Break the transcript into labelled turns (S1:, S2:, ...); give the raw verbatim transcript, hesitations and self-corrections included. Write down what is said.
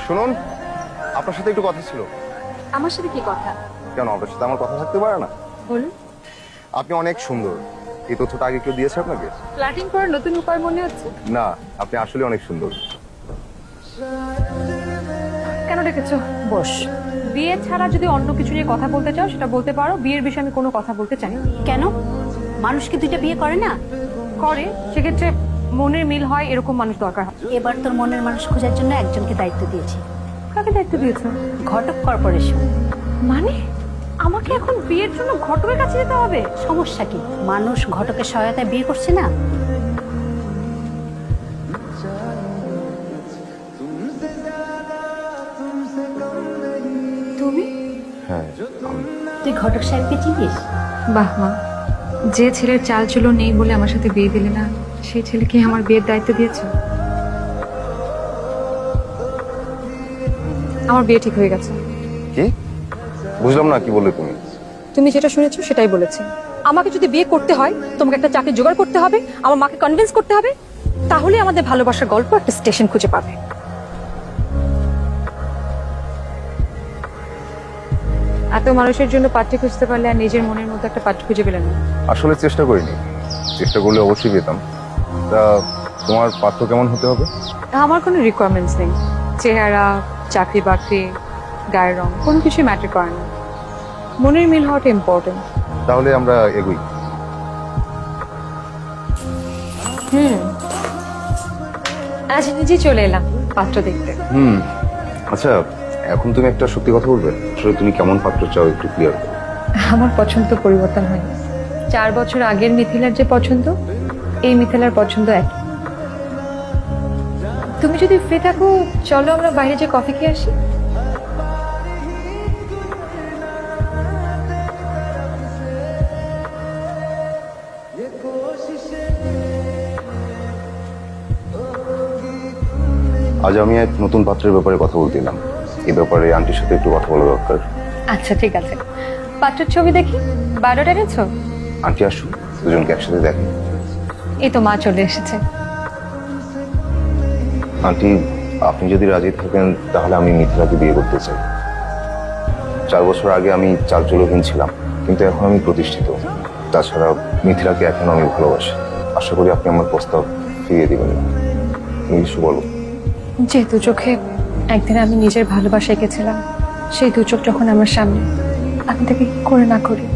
S1: শুনুন, আপনার সাথে একটু কথা ছিল।
S2: আমার সাথে কি কথা?
S1: কেন, আপনার সাথে আমার কথা থাকতে পারে না?
S2: বলুন।
S1: আপনি অনেক সুন্দর। এই তথ্যটা আগে কেউ দিয়েছে আপনাকে?
S2: ফ্ল্যাটিং করার নতুন উপায় মনে হচ্ছে।
S1: না, আপনি আসলে অনেক সুন্দর।
S2: কেন ডেকেছো? বস। বিয়ে ছাড়া যদি অন্য কিছু নিয়ে কথা বলতে চাও সেটা বলতে পারো, বিয়ের বিষয়ে আমি কোনো কথা বলতে চাই না।
S3: কেন? মানুষ কি দুইটা বিয়ে করে না?
S2: করে, সেক্ষেত্রে মনের মিল হয় এরকম মানুষ দরকার হয়।
S3: এবার তোর মনের মানুষ খোঁজার জন্য একজনকে দায়িত্ব দিয়েছি।
S2: কাকে দায়িত্ব দিয়েছো?
S3: ঘটক কর্পোরেশন।
S2: মানে আমাকে এখন বিয়ের জন্য ঘটকের কাছে যেতে হবে?
S3: সমস্যা কি? মানুষ ঘটকের সহায়তায় বিয়ে করছে না।
S2: তুমি?
S1: হ্যাঁ, আমি।
S3: তুই ঘটক সাহেবকে চিনিস?
S2: বাহ মা, যে ছেলের চাল চুলো নেই বলে আমার সাথে বিয়ে দিলে না, সেই ছেলেকে আমার বিয়ের দায়িত্ব দিয়েছে। আমার বিয়ে ঠিক হয়ে গেছে।
S1: কি? বুঝলাম না, কি বললে তুমি?
S2: তুমি যেটা শুনেছো সেটাই বলেছি। আমাকে যদি বিয়ে করতে হয় তোমাকে একটা চাকরি জোগাড় করতে হবে, আমার মাকে কনভিন্স করতে হবে, তাহলে আমাদের ভালোবাসার গল্প একটা স্টেশন খুঁজে পাবে। এত মানুষের জন্য পাত্রী খুঁজতে পারলে আর নিজের মনের মতো একটা পাত্র খুঁজে পেলেন না।
S1: আসলে চেষ্টা করিনি, চেষ্টা করলে অবশ্যই পেতাম। তা তোমার পাত্র কেমন হতে হবে?
S2: আমার কোনো রিকোয়ারমেন্টস নেই। চেহারা, চাকরি বাকরি, গায়ের রং কোনো কিছুই ম্যাটার করে না। মনের মিল হওয়াটা ইম্পর্টেন্ট।
S1: তাহলে আমরা এগোই।
S2: হুম, আজ নিজেই চলে এলাম পাত্র দেখতে।
S1: হুম, আচ্ছা, এখন তুমি একটা সত্যি কথা বলবে? আসলে তুমি কেমন পাত্র চাও একটু ক্লিয়ার করো।
S2: আমার পছন্দ পরিবর্তন হয়নি। চার বছর আগের মিথিলার যে পছন্দ, এই মিথিলার পছন্দ এক। তুমি যদি ফ্রি থাকো চলো আমরা বাইরে যে কফি খেয়ে আসি।
S1: আজ আমি এক নতুন পাত্রের ব্যাপারে কথা বলছিলাম। এই ব্যাপারে আন্টির সাথে একটু কথা বলা দরকার।
S2: আচ্ছা ঠিক আছে, পাত্রের ছবি দেখি। বায়োডাটা এনেছো?
S1: আন্টি আসুন, দুজনকে একসাথে দেখেন।
S2: এই তো মা চলে এসেছে।
S1: আন্টি, আপনি যদি রাজি থাকেন তাহলে আমি মিথিলাকে বিয়ে করতে চাই। চার বছর আগে আমি চালচুলোহীন ছিলাম, কিন্তু এখন আমি প্রতিষ্ঠিত। তাছাড়া মিথিলাকে এখন আমি ভালোবাসি। আশা করি আপনি আমার প্রস্তাব ফিরিয়ে দিবেন না। তুমি কিছু বলো।
S2: যে দু চোখে একদিন আমি নিজের ভালোবাসা এঁকেছিলাম, সেই দু চোখ যখন আমার সামনে, আমি তাকে কি করে না করি।